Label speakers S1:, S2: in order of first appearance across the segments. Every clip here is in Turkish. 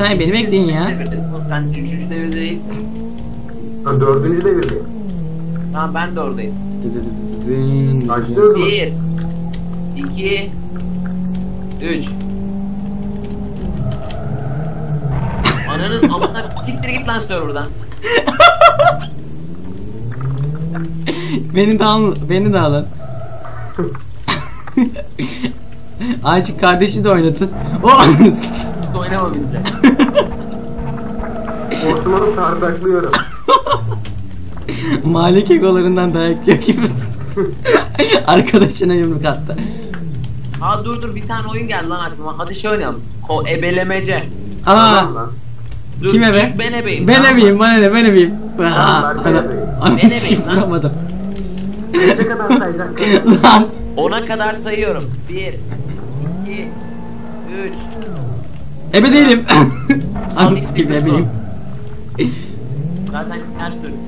S1: saniye beni bekleyin ya.
S2: Sen 3. devirde değilsin.
S3: Ben 4. devirdeyim.
S2: Tamam ben de oradayım.
S3: Başlıyoruz mu?
S2: 1 2 3 Ananın amına siktir git lan serverdan.
S1: Beni de alın. Ayçık kardeşi de oynatın.
S2: Oynama bizle.
S3: Osman'ı tardaklıyorum.
S1: Mahalle kekolarından dayak yiyor gibi. Arkadaşına yumruk attı.
S2: Aa dur bir tane oyun geldi lan aklıma. Hadi şey oynayalım. Ebelemece.
S1: Aa,
S3: Tamam lan.
S2: Dur,
S1: kim ebe?
S2: ilk ben ebeyim.
S1: Ben
S2: tamam mı?
S1: ebeyim, bana ne, ben ebeyim.
S3: Tamam, ben de ebeyim.
S1: Ananı sikip vuramadım.
S3: Ne kadar sayacaksın?
S1: Lan.
S2: 10'a kadar sayıyorum. 1 2 3
S1: Ebe değilim.
S2: Al,
S1: Ananı sikip
S2: bir
S1: ebeyim.
S2: Zaten ters dönmüş.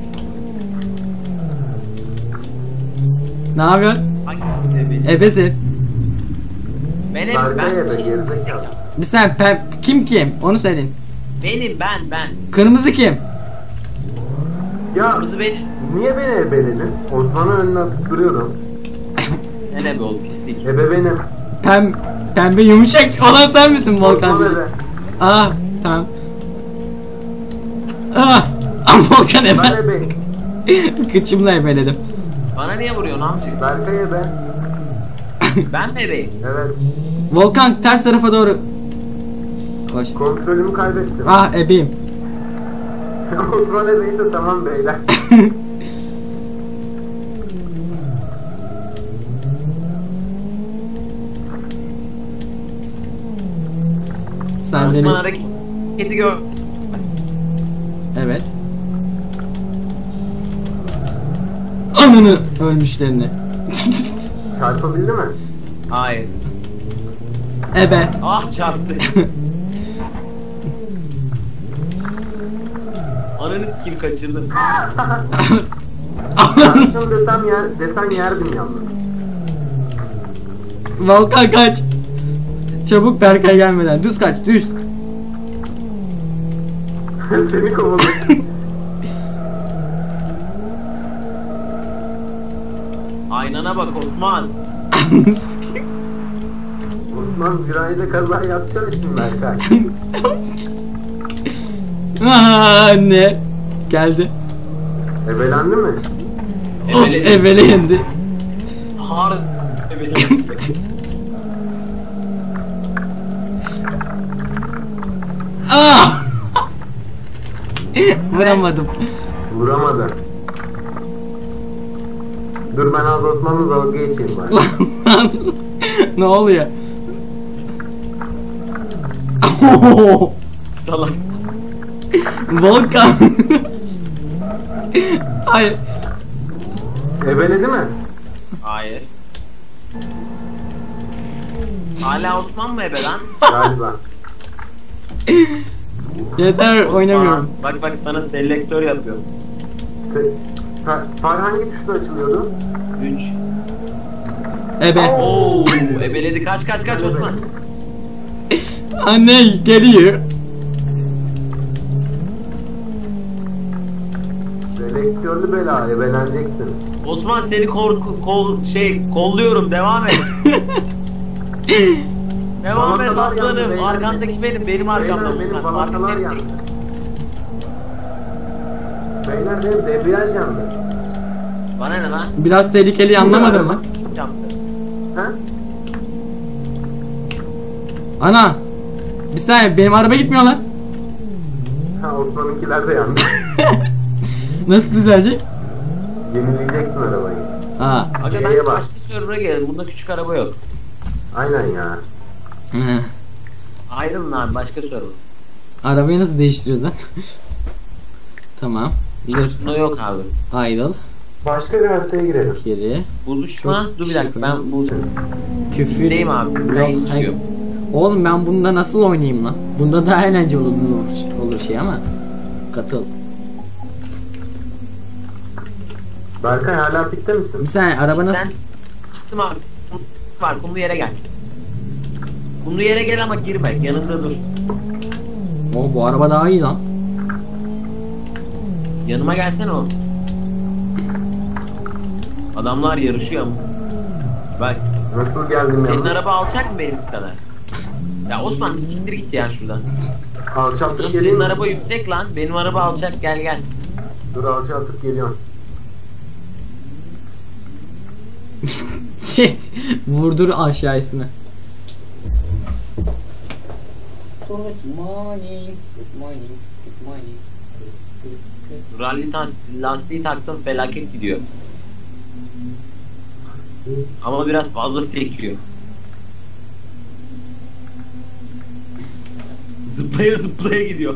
S1: Ne yapıyorsun?
S2: Hangi ebeyi?
S1: Ebesin.
S2: Ben
S3: Berkay ebe,
S2: ben
S3: gerizekalı.
S1: Bir saniye kim? Onu söyleyin.
S2: Benim ben.
S1: Kırmızı kim?
S3: Ya
S2: Kırmızı benim.
S3: niye beni ebeledin? Osman'ın önüne atıp duruyordum.
S2: Sen ebe ol pislik.
S3: Ebe benim.
S1: Pembe yumuşak olan sen misin
S3: Osman
S1: Volkan?
S3: ebe.
S1: Aa, tamam. Aa, Volkan
S3: Ben
S1: ebe.
S3: ebeyim.
S1: Kıçımla ebeledim.
S2: Bana niye vuruyorsun amcık?
S3: Berkay ebe.
S2: Ben mi ebeyim?
S3: Evet.
S1: Volkan ters tarafa doğru. Koş.
S3: Kontrolümü kaybettim.
S1: Ah, ebeyim.
S3: Osman ebeyse tamam beyler.
S1: Sen
S2: Osman
S1: beni...
S2: hareketi gör.
S1: Evet. Ananı ölmüşlerini.
S3: Çarpabildi mi?
S2: Hayır.
S1: Ebe.
S2: Ah çarptı. Ananı sikeyim kaçırdım.
S3: Çarptım desen yerdim yalnız.
S1: Volkan kaç. Çabuk Berkay gelmeden. Düz kaç, düz.
S3: Seni kovaladım.
S2: Aynana bak Osman.
S3: Osman virajda kaza yapacağım şimdi Berkay.
S1: Aa, anne. Geldi.
S3: Ebelendi mi?
S1: Oh, evvele yendi.
S2: Hard. Evet.
S1: Aa! Vuramadım.
S3: Vuramadı. Dur ben az Osman'la dalga geçeyim bari.
S1: Ne oluyor?
S2: Salak.
S1: Volkan. Hayır.
S3: Ebeledi mi?
S2: Hayır. Hala Osman mı ebe lan?
S3: Galiba.
S1: Yeter,
S2: Osman.
S1: oynamıyorum.
S2: Bak sana selektör yapıyorum.
S3: Far hangi tuşla açılıyordu?
S2: 3
S1: Ebe.
S2: Oo, ebeledi kaç Osman.
S1: Anne geliyor.
S3: Selektörlü bela, ebeleneceksin.
S2: Osman seni kolluyorum devam et. Devam et
S3: Balatalar yandı,
S2: aslanım.
S3: beyler.
S2: Arkandaki benim arkamda.
S3: Beyler benim
S2: Furkan.
S3: balatalar
S2: Arkandaki
S3: yandı. Beyler benim debriyaj yandı.
S2: Bana ne lan?
S1: Biraz tehlikeli, anlamadın mı?
S2: Pis yaptı.
S3: Ha?
S1: Ana. Bir saniye, benim araba gitmiyor lan.
S3: Ha Osman'ınkiler de yandı.
S1: Nasıl düzelecek?
S3: Yenileyeceksin arabayı.
S1: Aa.
S2: Aga
S3: Neye
S2: ben
S3: bak?
S2: başka server'a gelelim. Bunda küçük araba yok.
S3: Aynen ya.
S1: Hı.
S2: Ayrılın abi başka server.
S1: Arabayı nasıl değiştiriyoruz lan? Tamam. Dur.
S2: Bunda yok abi.
S1: Ayrıl.
S3: Başka bir haritaya girelim.
S1: Geri.
S2: Buluşma.
S1: Çok
S2: Dur bir dakika
S1: şey
S2: ben bu
S1: Küfür.
S2: Neyim abi? Ben
S1: Yok,
S2: hiç
S1: hayır.
S2: yok.
S1: Oğlum ben bunda nasıl oynayayım lan? Bunda daha eğlenceli olur şey ama. Katıl.
S3: Berkay hala pitte misin?
S1: Bir saniye, araba nasıl?
S2: Ben çıktım abi. Var kumlu yere gel. Kumlu yere gel ama girme. Yanında dur.
S1: O bu araba daha iyi lan.
S2: Yanıma gelsene oğlum. Adamlar yarışıyor ama. Bak.
S3: Nasıl geldim
S2: Senin
S3: ya?
S2: araba alçak mı benim kadar? Ya Osman bir siktir git ya şuradan.
S3: Alçaltıp
S2: Oğlum
S3: geleyim
S2: senin
S3: mi?
S2: araba yüksek lan. Benim araba alçak, gel gel.
S3: Dur alçaltıp geliyorum.
S1: Shit. Vurdur aşağısını. Good morning. Good morning. Good morning.
S2: Rally lastiği taktım, felaket gidiyor. Ama biraz fazla sekiyor. Zıplaya zıplaya gidiyor.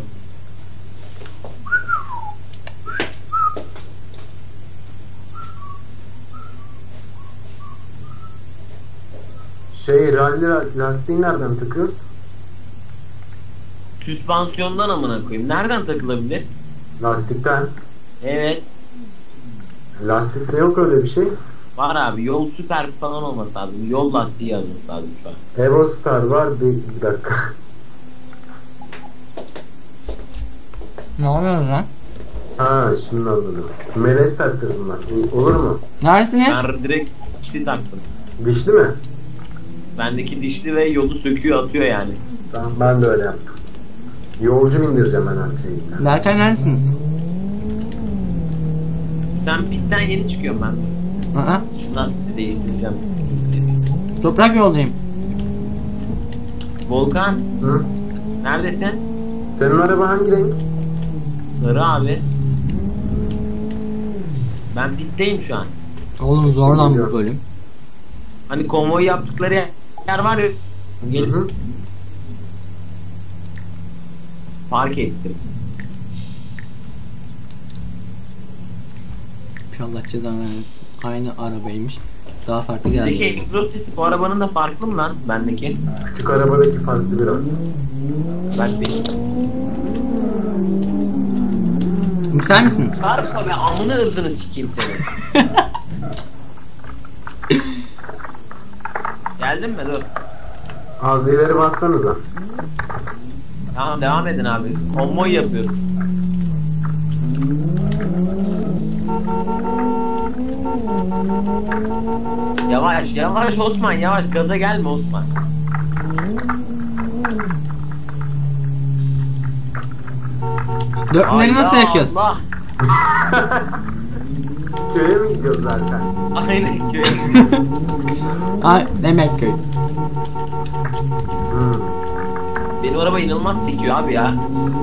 S3: Rally lastiği nereden takıyoruz?
S2: Süspansiyondan amına koyayım. Nereden takılabilir?
S3: Lastikten.
S2: Evet.
S3: Lastikte yok öyle bir şey.
S2: Var abi. Yol süper falan olması lazım. Yol lastiği yazması lazım şu an.
S3: Eurostar var. Bir dakika.
S1: Ne yapıyorsun lan?
S3: Ha şimdi anladım. Melez taktırdım ben. Olur mu?
S1: Neredesiniz?
S2: Ben direkt dişli taktım.
S3: Dişli mi?
S2: Bendeki dişli ve yolu söküyor atıyor yani.
S3: Tamam ben de öyle yaptım. Yolcu bindireceğim ben her şeyi.
S1: Berkay neredesiniz?
S2: Sen pitten yeni çıkıyorum ben.
S1: Aa,
S2: Şu lastiği değiştireceğim.
S1: toprak yoldayım.
S2: Volkan
S3: Hı?
S2: neredesin?
S3: Senin araba hangi renk?
S2: Sarı abi. Ben pitteyim şu an.
S1: Oğlum zor lan bu bölüm.
S2: Hani konvoy yaptıkları yer var ya. Gelip
S3: Hı.
S2: park ettim.
S1: Allah cezanı versin. Aynı arabaymış. Daha farklı
S2: Bizdeki
S1: geldi.
S2: egzoz sesi bu arabanın da farklı mı lan bendeki?
S3: Küçük arabadaki farklı biraz.
S2: Ben bir
S1: Sen misin?
S2: çarpma be, amını ırzını sikeyim senin. Geldin mi? Dur.
S3: Az ileri bassanıza.
S2: Tamam devam edin abi. Konvoy yapıyoruz. Yavaş yavaş Osman, yavaş, gaza gelme Osman.
S1: Dörtlüleri nasıl
S2: Hayda
S1: yakıyoruz?
S2: Allah.
S3: Köye mi gidiyoruz zaten?
S2: Aynen köy.
S1: Ay, Demetköy.
S3: Hı.
S2: Benim araba inanılmaz sekiyor abi ya.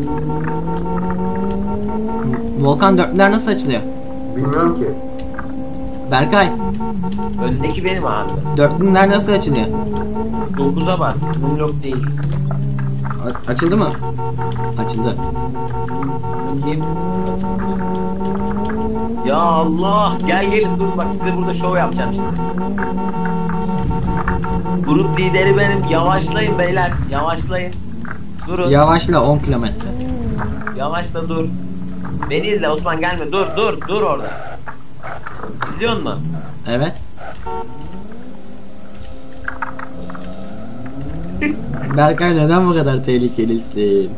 S1: Volkan dörtlüler nasıl açılıyor?
S3: Bilmiyorum ki.
S1: Berkay,
S2: Öndeki benim abi.
S1: dörtlüler nasıl açılıyor?
S2: 9'a bas. Unlock değil.
S1: Açıldı mı? Açıldı.
S2: Bakayım. Ya Allah. Gel gelin dur bak size burada şov yapacağım şimdi. Grup lideri benim. Yavaşlayın beyler. Yavaşlayın. Durun.
S1: Yavaşla 10 kilometre.
S2: Yavaşla dur. Beni izle Osman, gelme. Dur dur dur orada. İzliyor musun?
S1: Evet. Berkay neden bu kadar tehlikelisin?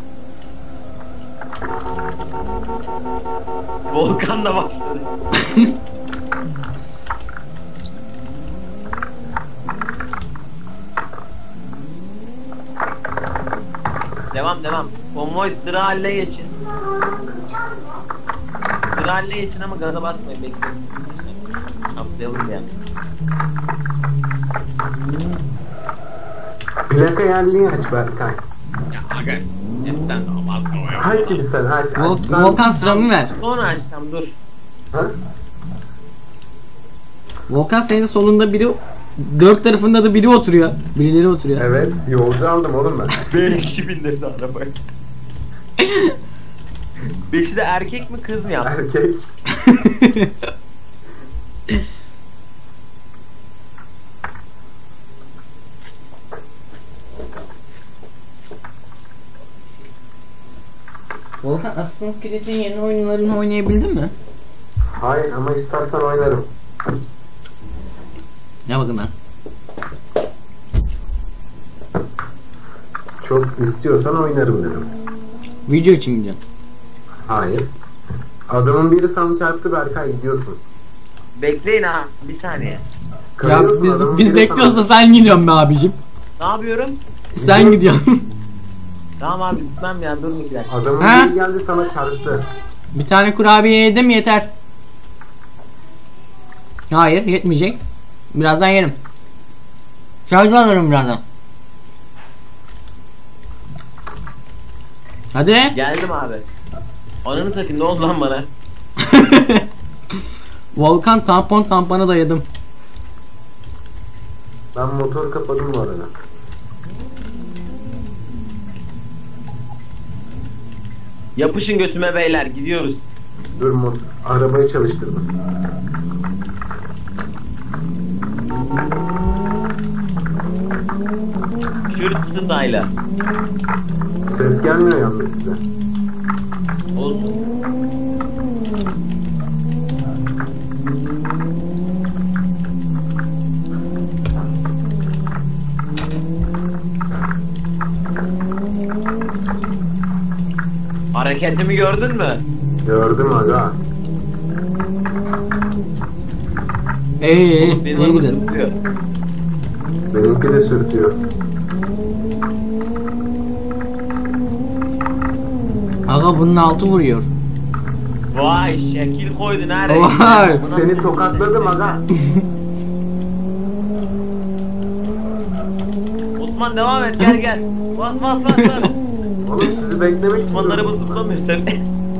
S2: Volkan da başladı. Devam devam. Konvoy sıra haline geçin. Sıra haline geçin ama gaza basmayın, bekleyin. Çaplayalım yani.
S3: Plaka yerliği aç Berkay.
S2: Ya aga. Hepten abartma ya.
S3: Aç bir sen aç. Aç.
S1: Volkan sıramı ver.
S2: Sonra açsam dur.
S3: Ha?
S1: Volkan senin solunda biri, dört tarafında da biri oturuyor. Birileri oturuyor.
S3: Evet yolcu aldım oğlum ben.
S2: B2000 bindirdi arabayı. Beşi de erkek mi kız mı yaptı?
S3: Erkek.
S1: Volkan Assassin's Creed'in yeni oyunlarını oynayabildin mi?
S3: Hayır ama istersen oynarım.
S1: Ne bakın lan.
S3: Çok istiyorsan oynarım dedim.
S1: Video için mi diyorsun?
S3: Hayır. Adamın biri sana çarptı Berkay, gidiyorsun.
S2: Bekleyin ha. Bir saniye.
S1: Ya
S3: Kayıyorsun, adamın
S1: biz
S3: biri
S1: bekliyoruz da
S3: sana-
S1: sen gidiyorsun be abicim.
S2: Ne yapıyorum?
S1: Sen gidiyorsun.
S2: Tamam abi gitmem ya. Durun 2 dakika.
S3: Adamın
S1: Ha?
S3: biri geldi sana çarptı.
S1: Bir tane kurabiye yedim yeter. Hayır yetmeyecek. Birazdan yerim. Şarj alırım birazdan. Hadi.
S2: Geldim abi. Ananı satayım, ne oldu lan bana?
S1: Volkan tampona da yedim.
S3: Ben motor kapadım bu arada.
S2: Yapışın götüme beyler, gidiyoruz.
S3: Dur, arabayı çalıştırdım.
S2: Kürt style'a.
S3: Ses gelmiyor yalnız size.
S2: Olsun. Hareketimi gördün mü?
S3: Gördüm aga.
S1: İyi
S2: Benim
S1: iyi
S2: araba
S1: gidelim.
S2: zıplıyor.
S3: Benimki de sürtüyor.
S1: Aga bunun altı vuruyor.
S2: Vay şekil koydun ha reis.
S1: Vay.
S2: Bu nasıl
S3: Seni
S2: bir
S3: tokatladım
S2: ses?
S3: aga.
S2: Osman devam et, gel gel. Bas bas bas bas.
S3: Oğlum sizi beklemek için.
S2: Osman'ın araba
S3: durdum.
S2: zıplamıyor tabii.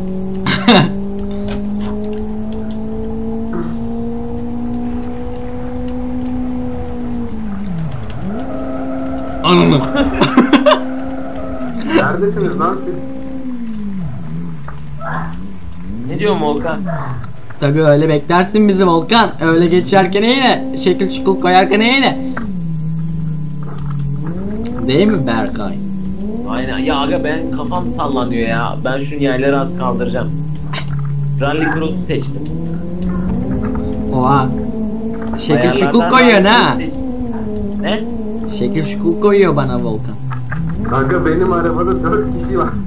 S1: Ananı.
S3: Neredesiniz lan siz?
S2: Ne diyor Volkan?
S1: Tabii öyle beklersin bizi Volkan. Öyle geçerken yine şekil şukul koyarken yine. Değil mi Berkay?
S2: Aynen ya aga, ben kafam sallanıyor ya. Ben şu yerleri az kaldıracağım. Rally Cross'u seçtim.
S1: Oha. Şekil
S2: Ayarlardan
S1: şukul koyuyor
S2: Rally
S1: ha.
S2: Cross'u seçtim. Ne?
S1: Şekil şukul koyuyor bana Volkan.
S3: Aga benim arabada 4 kişi var.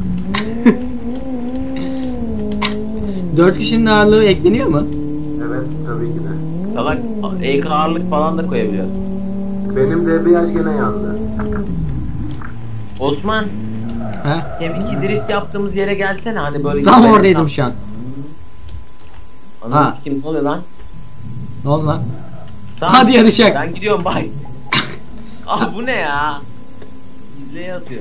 S1: 4 kişinin ağırlığı ekleniyor mu?
S3: Evet tabii ki de.
S2: Salak ek ağırlık falan da koyabiliyor.
S3: Benim debriyaj gene yandı.
S2: Osman,
S1: Ha?
S2: deminki drift yaptığımız yere gelsene, hani böyle.
S1: Tam
S2: böyle
S1: oradaydım şu an.
S2: Ananı
S1: Ha.
S2: sikim, ne oluyor lan?
S1: Ne oldu lan?
S2: Tamam,
S1: Hadi yarışak.
S2: Ben gidiyorum, bay. Ah bu ne ya? İzleye atıyor.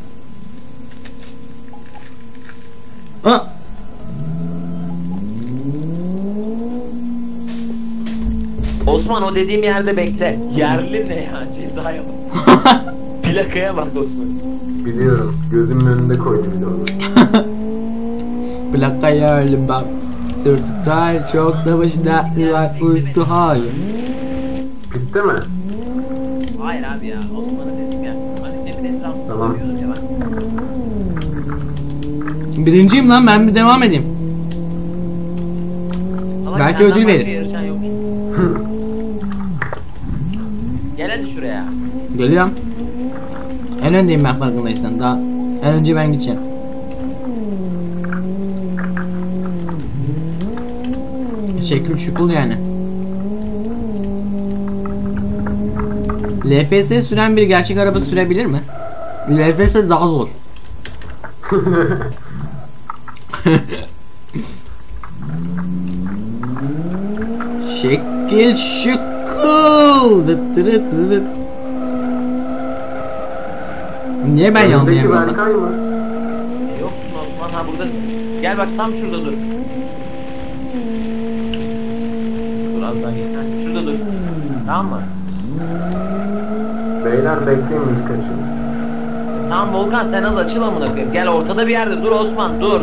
S1: Ha.
S2: Osman o dediğim yerde bekle. Yerli ne ya? Cezaya bak. Plakaya bak Osman.
S3: Biliyorum. Gözümün önünde koydum bir de onu.
S1: Plaka yerli bak. Sırtı tar çok da başı dertli var uyuştu hayır.
S3: Bitti mi?
S2: Hayır abi ya. Osman'ı dedim ya. Hani demin etrafında
S3: Tamam.
S2: koyuyordum ya ben.
S1: Birinciyim lan, ben bir devam edeyim.
S2: Salak,
S1: Belki
S2: senden
S1: ödül
S2: başka
S1: verir.
S2: yarışan yok çünkü. Gel hadi şuraya.
S1: Geliyorum. En öndeyim ben, farkındaysan. Daha en önce ben gideceğim. Şekil şukul yani. LFS süren bir gerçek araba sürebilir mi? LFS daha zor. Şekil şukul. Dıt dırıt dırıt. Niye ben
S3: Önündeki
S1: yanlayamıyorum lan?
S3: Berkay mı?
S2: Yoksun Osman, ha buradasın. Gel bak, tam şurada dur. Dur az daha gel. Ha, şurada dur. Tamam mı?
S3: Beyler bekleyin, müzik açın.
S2: Tamam Volkan, sen az açıl amına koyayım. Gel ortada bir yerde dur Osman, dur.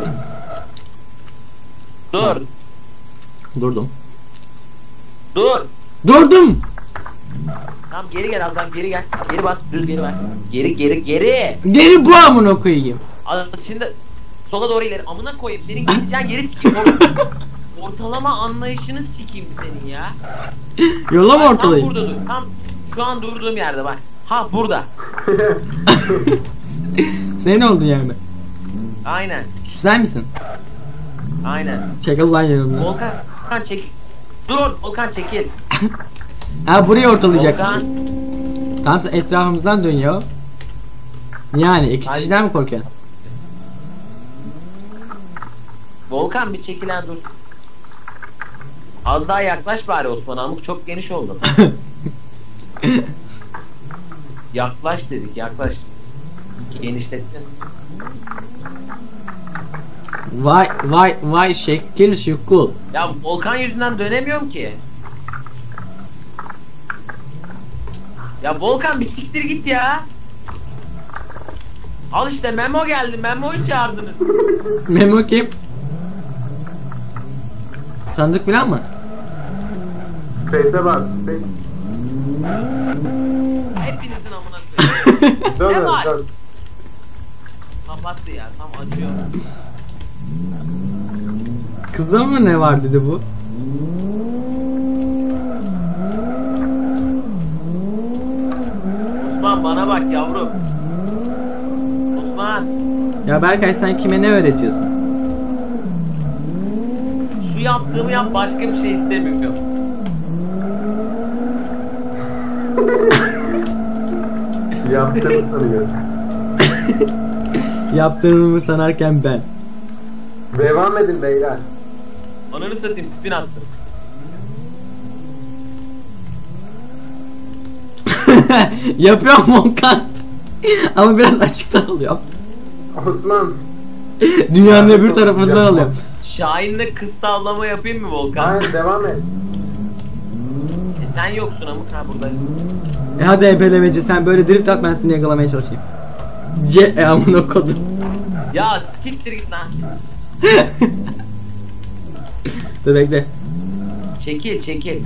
S2: Dur.
S1: Durdum.
S2: Dur.
S1: Durdum.
S2: Tamam geri gel, azdan geri gel. Geri bas, düz geri ver. Geri geri geri.
S1: Geri bu amına koyayım.
S2: Az şimdi sola doğru ileri. Amına koyayım, senin gideceğin yeri sikeyim oğlum. Ortalama anlayışını sikeyim senin ya.
S1: Yola mı
S2: Bak,
S1: ortalayayım?
S2: Tam burada dur. Tam şu an durduğum yerde bak. Ha burada.
S1: Senin oldun yani.
S2: Aynen.
S1: Şu sen misin?
S2: Aynen.
S1: Çekil lan yanımdan.
S2: Volkan çekil. Dur Volkan çekil.
S1: Ha burayı ortalayacakmışız.
S2: Volkan.
S1: Tamam sen etrafımızdan dön ya. Yani iki
S2: Hadi.
S1: kişiden mi korkuyorsun?
S2: Volkan bir çekilen dur. Az daha yaklaş bari Osman Amuk, çok geniş oldu. Yaklaş dedik, yaklaş. Genişlettin.
S1: Vay şekil şukul.
S2: Ya Volkan yüzünden dönemiyorum ki. Ya Volkan bir siktir git ya. Al işte Memo geldi. Memo'yu çağırdınız.
S1: Memo kim? Tanıdık falan mı?
S3: Space'e bas. Space.
S2: Hepinizin amına koyayım.
S3: Dön
S2: Ne var?
S3: dön.
S2: Kapattı ya, tam acıyor.
S1: Kıza mı ne var dedi bu?
S2: Osman bana bak yavrum. Osman.
S1: Ya Berkay sen kime ne öğretiyorsun?
S2: Şu yaptığımı yap, başka bir şey istemiyorum.
S3: Yaptığını sanıyor.
S1: Yaptığımı sanarken ben.
S3: Devam edin beyler.
S2: Ananı satayım, spin attım.
S1: Yapıyorum Volkan. Ama biraz açıktan oluyor.
S3: Osman.
S1: Dünyanın
S3: Ya,
S1: öbür
S3: çok
S1: tarafından
S3: güzel.
S1: alıyorum.
S2: Şahin'le kız tavlama yapayım mı Volkan?
S3: Hayır devam et.
S2: Sen yoksun ama ha buradasın.
S1: Hadi ebelemeci sen böyle drift at ben seni yakalamaya çalışayım. Amına kodum.
S2: Ya siktir git lan.
S1: Dur bekle.
S2: Çekil.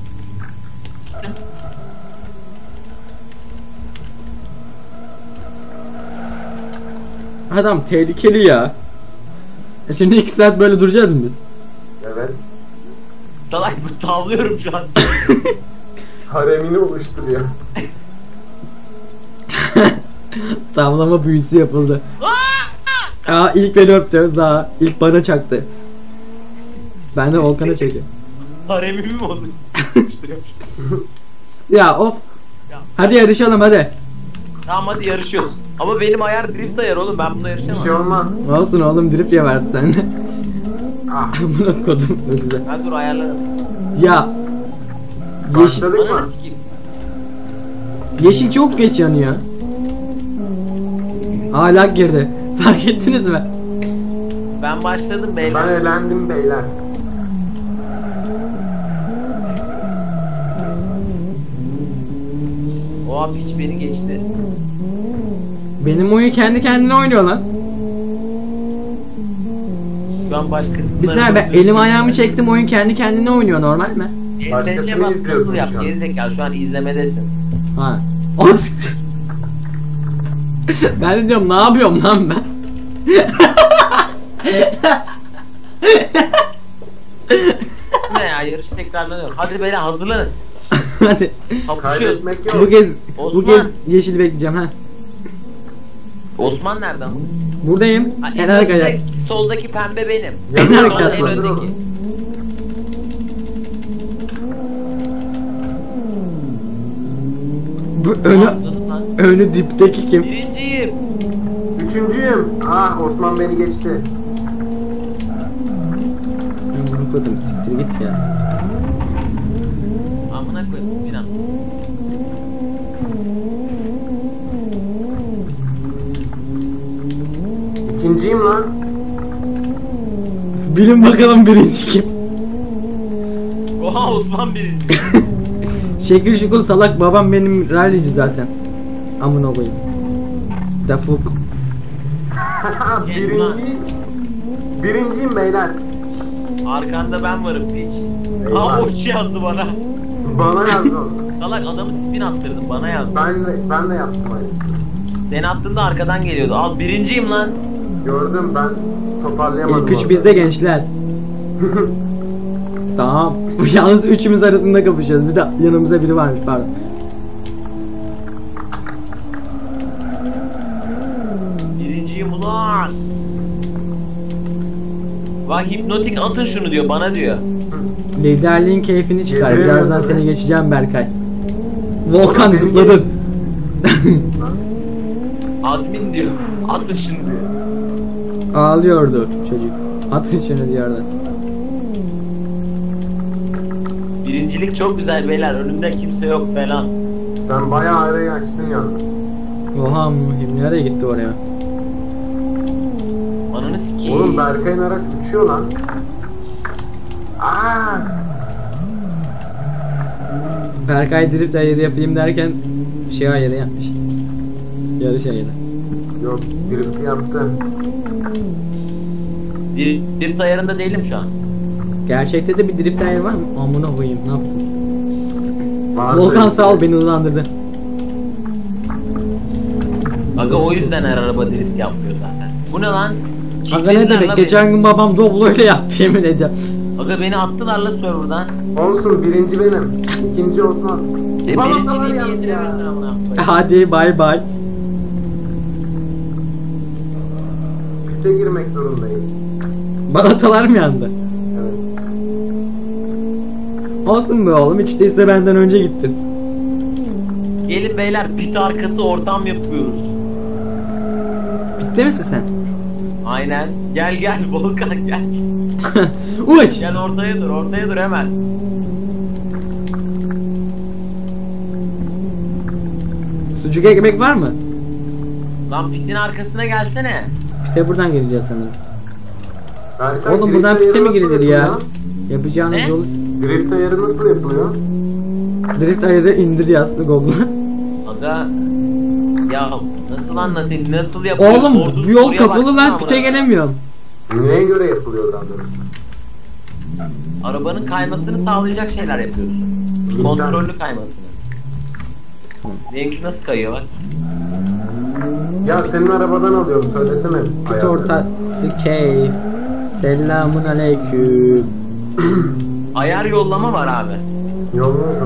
S1: Adam tehlikeli ya. Şimdi 2 saat böyle duracağız mı biz?
S3: Evet.
S2: Salak bu, tavlıyorum şu an.
S3: Haremini oluşturuyor.
S1: Tavlama büyüsü yapıldı. Aa ilk beni öptü. Za ilk bana çaktı. Ben de Volkan'a çekiyorum.
S2: Haremimi mi oldu?
S1: Ya of.
S2: Ya.
S1: Hadi yarışalım hadi.
S2: Tamam hadi yarışıyoruz. Ama benim ayar drift ayar oğlum, ben bunda
S3: Bir şey
S2: yarışamam.
S3: olmaz.
S1: Olsun oğlum drift ya verdi sende.
S3: Ah.
S1: Amına kodum. Ne güzel.
S2: Ha dur ayarladım.
S1: Ya. Yeşil,
S3: Başladık
S2: Ananı
S3: mı?
S2: sikeyim.
S1: yeşil çok geç yanıyor. Hala girdi. Fark ettiniz mi?
S2: Ben başladım
S3: Ben
S2: beyler.
S3: elendim beyler.
S2: Oha piç beni geçti.
S1: Benim oyun kendi kendine oynuyor lan.
S2: Şu an başkası.
S1: Bir saniye ben elimi ayağımı çektim oyun kendi kendine oynuyor normal mi?
S2: ESC
S3: Başkasını
S2: bas
S3: izliyorsun
S2: katıl yap
S3: şu an.
S2: gerizekalı, şu an izlemedesin.
S1: Ha. O siktir. Ben de diyorum ne yapıyorum lan ben?
S2: Ne ya, yarış tekrarlanıyor. Hadi beyler hazırlanın.
S1: Hadi.
S2: Kapışıyoruz.
S3: Kaybetmek
S1: Bu
S3: yok.
S1: kez
S2: Osman.
S1: bu kez yeşil bekleyeceğim ha.
S2: Osman nerede ama?
S1: Buradayım.
S2: Ha,
S1: En arkaya.
S2: soldaki pembe benim.
S1: En
S2: Solda
S1: arkaya
S2: en
S1: atla.
S2: öndeki.
S1: Bu önü
S2: Atladım lan.
S1: önü dipteki kim?
S2: Birinciyim.
S3: Üçüncüyüm. Ah Osman beni geçti.
S1: Ben bunu koydum siktir git ya.
S2: Amına koyayım Sinan.
S3: İkinciyim lan.
S1: Bilin bakalım birinci kim?
S2: Oha Osman birinci.
S1: Şekil şukul salak babam benim rallici zaten. Amına koyayım. Dafuk.
S3: Birinciyim beyler.
S2: Arkanda ben varım piç.
S3: Eyvah.
S2: Aa uç yazdı bana.
S3: Bana yazdı onu.
S2: Salak adamı spin attırdın, bana yazdı.
S3: Ben de yaptım aynı.
S2: Sen attığında arkadan geliyordu. Al birinciyim lan.
S3: Gördüm ben toparlayamadım.
S1: İlk üç
S3: orada.
S1: bizde gençler. Tamam. Bu yalnız üçümüz arasında kapışıyoruz. Bir de yanımızda biri varmış pardon.
S2: Birinciyim ulan. Bak hipnotik atın şunu diyor bana diyor.
S1: Liderliğin keyfini çıkar.
S3: Yemin
S1: Birazdan
S3: ederim.
S1: seni geçeceğim Berkay. Volkan zıpladın.
S2: Admin diyor. Atın şunu diyor.
S1: Ağlıyordu çocuk. Atın şunu diyordu.
S2: Birincilik çok güzel beyler. Önümde kimse yok falan.
S3: Sen bayağı arayı açtın yalnız.
S1: Oha nereye gitti oraya?
S2: Ananı sikeyim.
S3: Oğlum Berkay'ın araç uçuyor lan. Aa!
S1: Berkay drift ayarı yapayım derken şey ayarı yapmış. Yarış ayarı.
S3: Yok, drift yaptı.
S2: Drift ayarında değilim şu an.
S1: Gerçekte de bir drift ayarı var mı? Amına koyayım ne yaptın?
S3: Vardı.
S1: Volkan sağ ol beni hızlandırdı.
S2: Aga o yüzden her araba drift yapmıyor zaten. Bu ne lan?
S1: Aga ne demek? Geçen gün babam Doblo ile yaptı yemin ediyorum.
S2: Aga beni attılar la serverdan.
S3: Olsun, birinci benim. İkinci Osman.
S2: Birinciliğimi yediremedin amına koyayım.
S1: Hadi bay bay.
S3: Pite girmek zorundayım.
S1: Balatalar mı yandı?
S3: Evet.
S1: Olsun be oğlum hiç değilse benden önce gittin.
S2: Gelin beyler pit arkası ortam yapıyoruz.
S1: Bitti misin sen?
S2: Aynen. Gel gel Volkan gel.
S1: Uç!
S2: Gel ortaya dur hemen.
S1: Sucuk ekmek var mı?
S2: Lan pitin arkasına gelsene.
S1: Pite buradan giriliyor sanırım.
S3: Berkay,
S1: Oğlum
S3: drift
S1: buradan
S3: ayarı
S1: pite mi
S3: nasıl
S1: girilir ya?
S3: yapılıyor?
S1: Yapacağınız
S2: Ne?
S1: yolu...
S3: Drift ayarı nasıl yapılıyor?
S1: Drift ayarı indir yazdı Google'a.
S2: Aga ya nasıl anlatayım nasıl yapıyoruz?
S1: Oğlum
S2: Sorduğun
S1: bu yol
S2: soruya
S1: kapalı
S2: baksana
S1: lan
S2: amına.
S1: pite gelemiyorum.
S3: Neye göre yapılıyor daha doğrusu?
S2: Arabanın kaymasını sağlayacak şeyler yapıyoruz. Kontrollü kaymasını. Benimki nasıl kayıyor bak.
S3: Ya senin arabadan alıyorum, söylesene.
S1: Pit
S3: ayarları.
S1: ortası keyif. Selamun aleyküm.
S2: Ayar yollama var abi.
S3: Yolunu mu?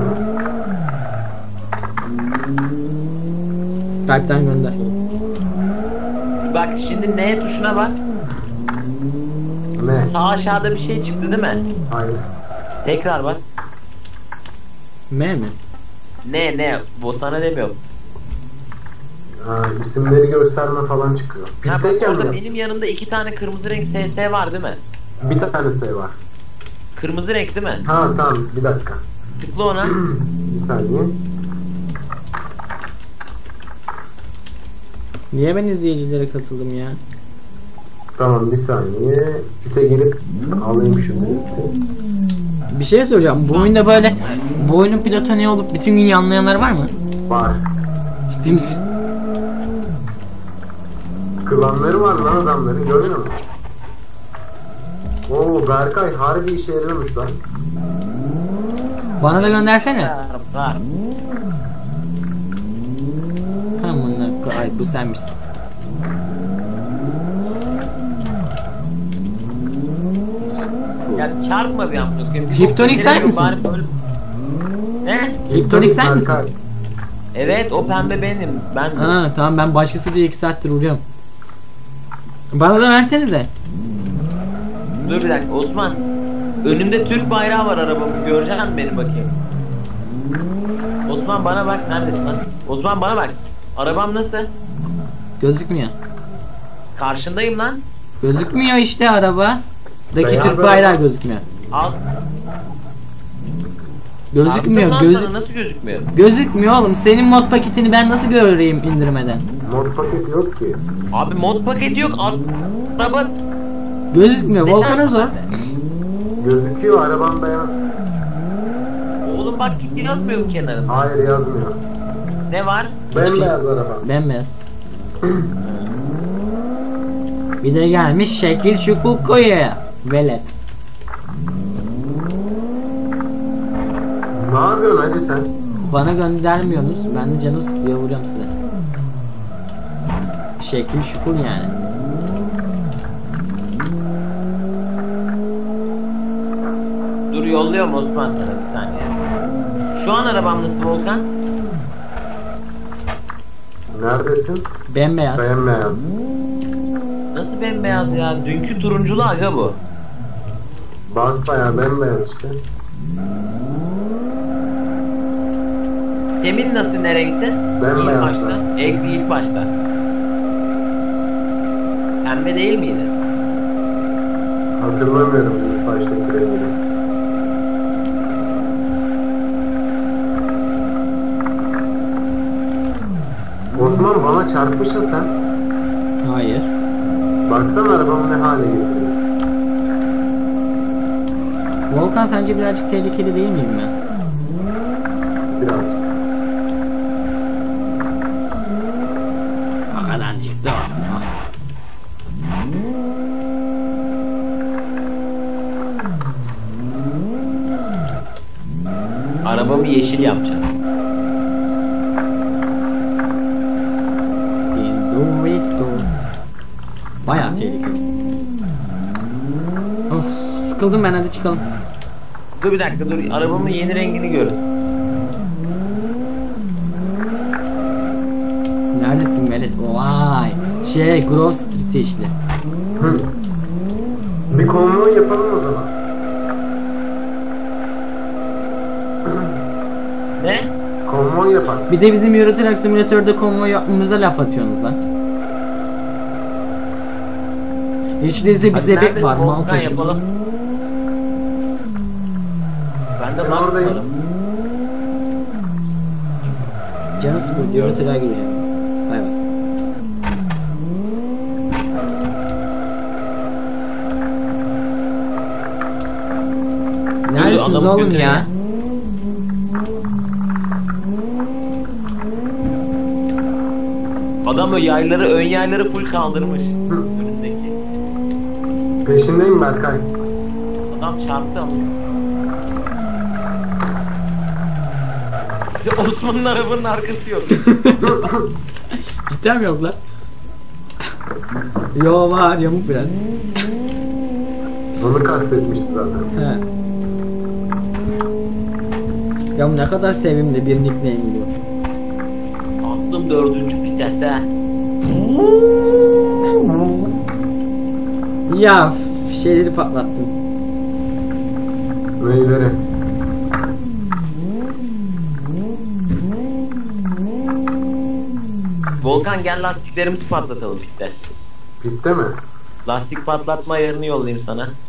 S1: Skype'ten gönder.
S2: Bak şimdi N tuşuna bas.
S3: Ne?
S2: Sağ aşağıda bir şey çıktı değil mi?
S3: Hayır.
S2: Tekrar bas.
S1: M mi?
S2: Ne bu sana demiyorum.
S3: Ha, isimleri gösterme falan çıkıyor.
S2: Ha, bak
S3: Pitteyken
S2: orada
S3: mi?
S2: benim yanımda iki tane kırmızı renk SS var değil mi?
S3: Bir tane sayı var.
S2: Kırmızı renk değil mi?
S3: Ha tamam, bir dakika.
S2: Tıkla ona.
S3: Bir saniye.
S1: Niye ben izleyicilere katıldım ya?
S3: Tamam, bir saniye. Pite girip alayım şu drifti.
S1: Bir şey soracağım. Bu oyunda böyle bu oyunun pilotu ne olup bütün gün yanlayanlar var mı?
S3: Var.
S1: Ciddi misin?
S3: Klanları var lan adamların, görüyor musun? Oo, Berkay harbi işe yarıyormuş lan.
S1: Bana da göndersene.
S2: Var.
S1: Ay bu senmişsin.
S2: Ya çarpma bir amına koyayım.
S1: Hiptonik sen misin?
S2: Bari böyle- Ne?
S1: Hiptonik sen misin?
S3: Berkay.
S2: Evet o pembe benim. Ben
S1: Ha tamam ben başkası diye 2 saattir vuruyorum. Bana da versenize.
S2: Dur bir dakika Osman. Önümde Türk bayrağı var arabamın. Göreceksin mi beni bakayım? Osman bana bak. Neredesin lan? Osman bana bak. Arabam nasıl?
S1: Gözükmüyor.
S2: Karşındayım lan.
S1: Gözükmüyor işte araba. Daki
S3: Beyaz
S1: Türk
S3: araba.
S1: bayrağı gözükmüyor.
S2: Al.
S1: Gözükmüyor.
S2: Çarptım lan sana, nasıl gözükmüyor?
S1: Gözükmüyor oğlum. Senin mod paketini ben nasıl göreyim indirmeden?
S3: Mod paket yok ki.
S2: Abi mod paketi yok. Araba
S1: Gözükmüyor. Volkan'a sor.
S3: Gözüküyor, araban beyaz.
S2: Oğlum bak gitti yazmıyor kenarında.
S3: Hayır, yazmıyor.
S2: Ne var?
S3: Bembeyaz araba.
S1: Bembeyaz. Bir de gelmiş şekil şukul koyuyor. Velet.
S3: Ne yapıyorsun hacı sen?
S1: Bana göndermiyorsunuz. Ben de canım sıkılıyor vuruyorum size. Şekil şukul yani.
S2: Dur yolluyorum Osman sana bir saniye. Şu an arabam nasıl Volkan?
S3: Neredesin?
S1: Bembeyaz.
S3: Bembeyaz.
S2: Nasıl bembeyaz ya? Dünkü turunculu aga bu.
S3: Basbayağı bembeyaz işte.
S2: Temin nasıl, ne renkte?
S3: Bembeyaz.
S2: İlk başta. İlk başta. Pembe değil miydi?
S3: Hatırlamıyorum ilk baştaki rengini. Osman bana çarpmışsın sen.
S1: Hayır.
S3: Baksana arabamı ne hale getirdi.
S1: Volkan sence birazcık tehlikeli değil miyim ben?
S3: Birazcık.
S1: O kadarcık da olsun. Ah.
S2: Arabamı yeşil yapacağım.
S1: Dorito. Bayağı tehlikeli. Of, sıkıldım ben, hadi çıkalım.
S2: Dur bir dakika, dur. Arabamın yeni rengini görün.
S1: Neredesin Velet? Vay. Grove Street'e işte.
S3: Hı. Bir konvoy yapalım o zaman.
S2: Ne?
S3: Konvoy yapalım.
S1: Bir de bizim Euro Truck Simulator'da konvoy yapmamıza laf atıyorsunuz lan. Hiç değilse bir
S2: Hadi
S1: zebek
S2: neredesin?
S1: var, mal
S2: Volkan
S1: taşıdı.
S2: yapalım. Ben de
S3: Ben
S2: bak
S3: oradayım.
S2: bakalım.
S1: Canım sıkıldı, Euro Truck'a gireceğim. Bay bay. Neredesiniz
S2: adamı
S1: oğlum
S2: götürün
S1: ya?
S2: ya. Adam o yayları, ön yayları full kaldırmış. Önündeki.
S3: Peşindeyim Berkay.
S2: Adam çarptı ama. Ya Osman'ın arabanın arkası yok.
S1: Cidden mi yok lan? Yo, var, yamuk biraz.
S3: Onu kastetmişti zaten.
S1: He. Ya ne kadar sevimli bir nickname bu.
S2: Attım 4. vitese.
S1: Ya şeyleri patlattım.
S3: Neyleri?
S2: Volkan gel lastiklerimizi patlatalım pitte.
S3: Bitti mi?
S2: Lastik patlatma ayarını yollayayım sana.